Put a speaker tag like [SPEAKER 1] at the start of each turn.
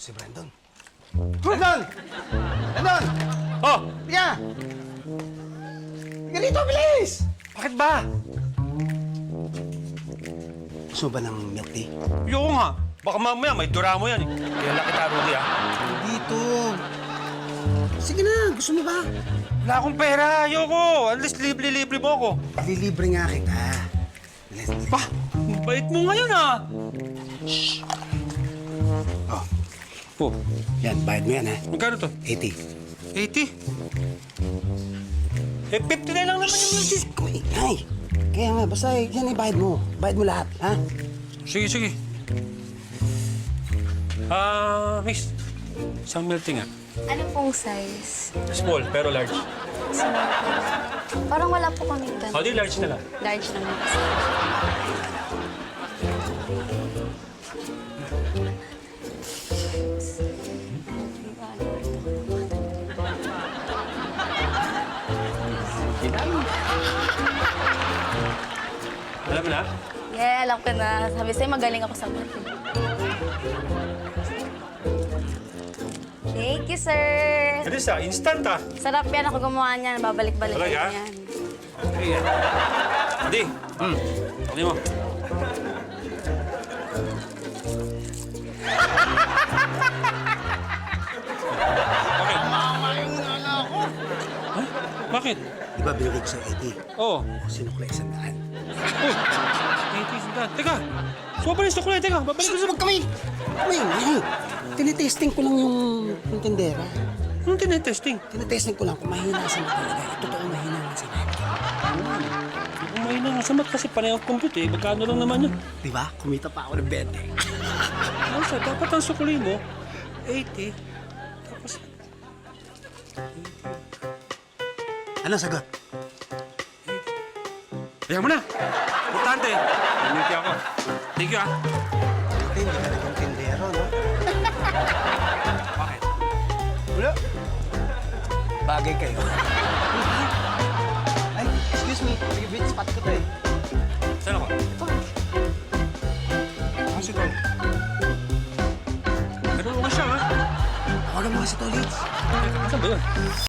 [SPEAKER 1] Si Brandon. Brandon! Brandon!
[SPEAKER 2] Oh!
[SPEAKER 1] Halika! Halika rito, bilis!
[SPEAKER 2] Bakit ba?
[SPEAKER 1] Gusto mo ba ng milk tea?
[SPEAKER 2] Ayoko nga. Baka mamaya may dura mo yan eh. Kaya laki tarugi ah.
[SPEAKER 1] Dito. Sige na, gusto mo ba?
[SPEAKER 2] Wala akong pera. Ayoko. At least libre-libre mo ako.
[SPEAKER 1] Lilibre nga kita. Bilis.
[SPEAKER 2] Ba? Ang bait mo ngayon ah.
[SPEAKER 1] Oh,
[SPEAKER 2] Oh,
[SPEAKER 1] yan, bayad mo yan, ha?
[SPEAKER 2] magkano to?
[SPEAKER 1] 80.
[SPEAKER 2] 80? Eh, 50 na lang naman yung milk.
[SPEAKER 1] Ay, kaya nga, basta yan bayad mo. Bayad mo lahat, ha?
[SPEAKER 2] Sige, sige. Miss. Isang milk tea nga.
[SPEAKER 3] Ano pong size?
[SPEAKER 2] Small, pero large.
[SPEAKER 3] Small po. Parang wala po kami ganun.
[SPEAKER 2] O, di large na lang.
[SPEAKER 3] Large naman kasi.
[SPEAKER 2] Alam mo na?
[SPEAKER 3] Yeah, alam ko na. Sabi sa'yo, magaling ako sa math. Thank you, sir.
[SPEAKER 2] Bilis ah, instant ah.
[SPEAKER 3] Sarap yan. Ako gumawa niyan. Babalik-balik
[SPEAKER 2] Talaga?
[SPEAKER 3] yan.
[SPEAKER 2] Okay yan. Hindi. Ano mo? Bakit? Ha? Bakit?
[SPEAKER 1] Di ba binigay ko sa 80?
[SPEAKER 2] Oo.
[SPEAKER 1] O, sinuklay 100.
[SPEAKER 2] Oh. 80 sandaan. Teka. Suwa pa rin sa kulay. Teka, babalik ko sa...
[SPEAKER 1] Huwag kami! May, tinitesting ko lang yung tindera.
[SPEAKER 2] Anong tinetesting?
[SPEAKER 1] Tinitesting ko lang kung mahina sa mga talaga. Totoo mahina nga sa mga.
[SPEAKER 2] Kung mahina nga sa mat kasi parehong compute eh. Magkano lang naman yun?
[SPEAKER 1] Di ba? Kumita pa ako ng 20.
[SPEAKER 2] Ano sa dapat ang sukuli mo, 80. Tapos,
[SPEAKER 1] Ano sagot?
[SPEAKER 2] ayaw mo na. Importante. Thank you ako. Thank you ah.
[SPEAKER 1] Hindi ka naging tindero, no?
[SPEAKER 2] Bakit?
[SPEAKER 1] Wala. Bagay kayo. Ay, excuse me. Big spot ko to eh.
[SPEAKER 2] Saan ako?
[SPEAKER 1] Ano si Tol?
[SPEAKER 2] Pero okay siya ha.
[SPEAKER 1] Tawagan mo nga si Tolits.
[SPEAKER 2] Saan ba yun?